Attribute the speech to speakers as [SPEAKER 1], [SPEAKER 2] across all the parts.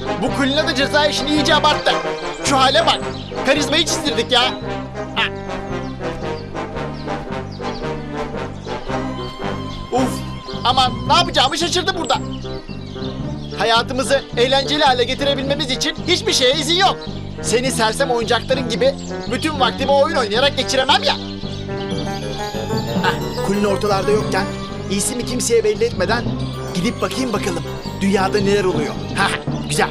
[SPEAKER 1] Bu Kulina da ceza işini iyice abarttı. Şu hale bak. Karizmayı çizdirdik ya. Ha. Uf. Aman ne yapacağımı şaşırdım burada. Hayatımızı eğlenceli hale getirebilmemiz için hiçbir şeye izin yok. Seni sersem oyuncakların gibi bütün vaktimi oyun oynayarak geçiremem ya. Kulina ortalarda yokken iyisi mi kimseye belli etmeden gidip bakayım bakalım dünyada neler oluyor. Ha, güzel.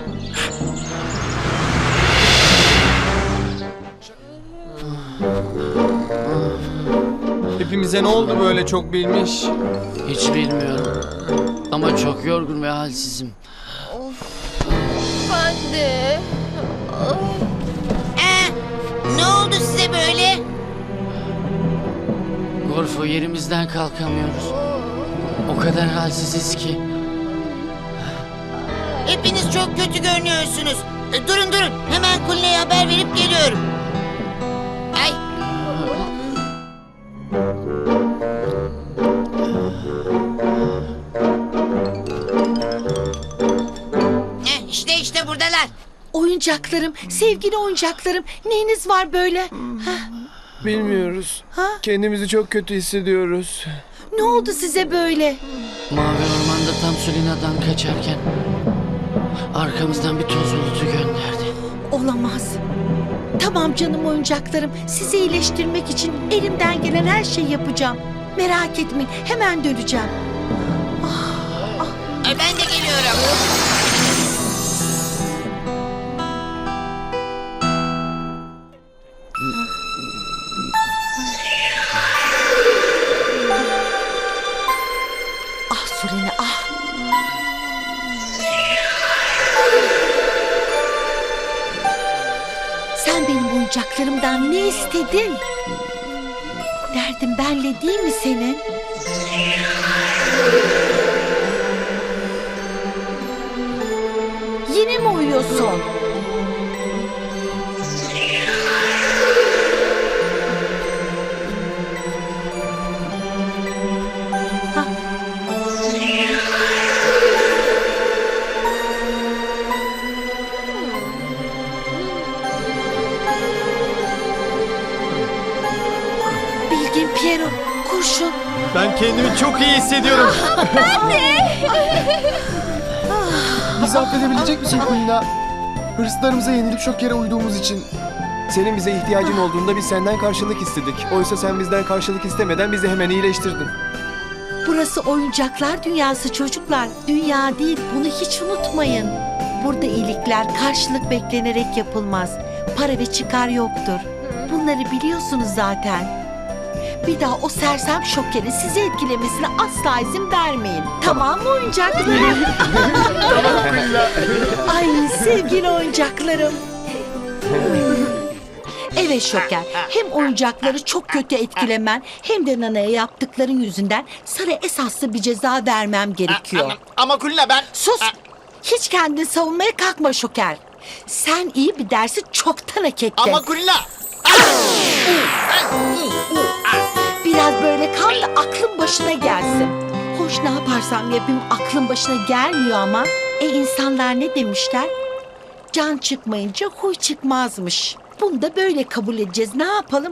[SPEAKER 2] Hepimize ne oldu böyle çok bilmiş?
[SPEAKER 3] Hiç bilmiyorum. Ama çok yorgun ve halsizim.
[SPEAKER 4] Ben de.
[SPEAKER 5] Ne oldu size böyle?
[SPEAKER 3] Gorfo, yerimizden kalkamıyoruz. O kadar halsiziz ki.
[SPEAKER 5] Hepiniz çok kötü görünüyorsunuz. Durun. Hemen Kulina'ya haber verip geliyorum. Ay. İşte buradalar.
[SPEAKER 6] Oyuncaklarım, sevgili oyuncaklarım. Neyiniz var böyle?
[SPEAKER 2] Bilmiyoruz.
[SPEAKER 6] Ha?
[SPEAKER 2] Kendimizi çok kötü hissediyoruz.
[SPEAKER 6] Ne oldu size böyle?
[SPEAKER 3] Mavi ormanda tam Sulina'dan kaçarken arkamızdan bir toz bulutu gönderdi.
[SPEAKER 6] Olamaz. Tamam canım oyuncaklarım. Sizi iyileştirmek için elimden gelen her şeyi yapacağım. Merak etmeyin. Hemen döneceğim.
[SPEAKER 5] Ben de geliyorum.
[SPEAKER 6] Ah Sulene ah. Sen benim oyuncaklarımdan ne istedin? Derdin benle değil mi senin? Yine mi uyuyorsun? Bilgin Piero, kurşun.
[SPEAKER 1] Ben kendimi çok iyi hissediyorum.
[SPEAKER 2] Bizi affedebilecek misin Kulina? Hırslarımıza yenilip şok yere uyduğumuz için. Senin bize ihtiyacın olduğunda biz senden karşılık istedik. Oysa sen bizden karşılık istemeden bizi hemen iyileştirdin.
[SPEAKER 6] Burası oyuncaklar dünyası çocuklar. Dünya değil, bunu hiç unutmayın. Burada iyilikler karşılık beklenerek yapılmaz. Para ve çıkar yoktur. Bunları biliyorsunuz zaten. Bir daha o sersem şokerin sizi etkilemesine asla izin vermeyin. Tamam mı oyuncaklarım? Ay sevgili oyuncaklarım. Evet Şoker, hem oyuncakları çok kötü etkilemen hem de Nana'ya yaptıkların yüzünden sana esaslı bir ceza vermem gerekiyor.
[SPEAKER 1] Ama Kulina ben...
[SPEAKER 6] Sus! Hiç kendini savunmaya kalkma Şoker. Sen iyi bir dersi çoktan hak ettin.
[SPEAKER 1] Ama Kulina...
[SPEAKER 6] Biraz böyle kal da aklın başına gelsin. Hoş ne yaparsam yapayım aklın başına gelmiyor ama. İnsanlar ne demişler? Can çıkmayınca huy çıkmazmış. Bunu da böyle kabul edeceğiz. Ne yapalım?